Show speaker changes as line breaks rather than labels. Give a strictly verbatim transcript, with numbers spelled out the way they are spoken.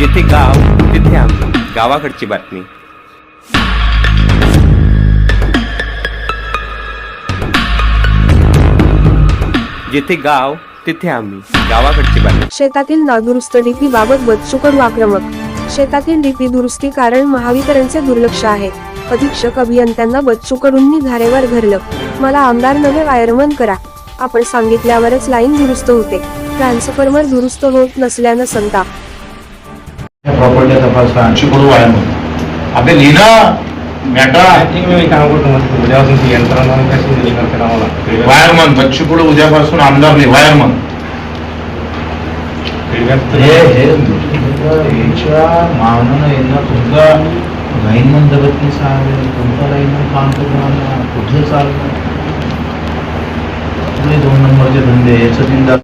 जिथे गाव तिथे आम्ही, गावाकडची बातमी. जिथे गाव तिथे आम्ही, गावाकडची बातमी.
शेतातील नादुरुस्त डीपी बाबत बच्चू कडू आक्रमक. शेतातील डीपी दुरुस्ती कारण महावितरणचे दुर्लक्ष आहे. अधीक्षक अभियंत्यांना बच्चू कडूंनी धारेवर धरलं. मला आमदार नवे वायरमन करा. आपण सांगितल्यावरच लाईन दुरुस्त होते. ट्रान्सफॉर्मर दुरुस्त होत नसल्यानं संताप.
प्रॉपर्टी तपासा चिकडू वायरमन आपले लिहिना मॅटा वायरमन बच्चूकडू उद्यापासून आमदार नाही वायरमन. हे हे याच्या मावनानं यांना तुमचा लाईनमन जगत नाही सांगेल. तुमचा लाईनमन काम करून कुठे चाललं दोन नंबरचे धंदे याचं तीन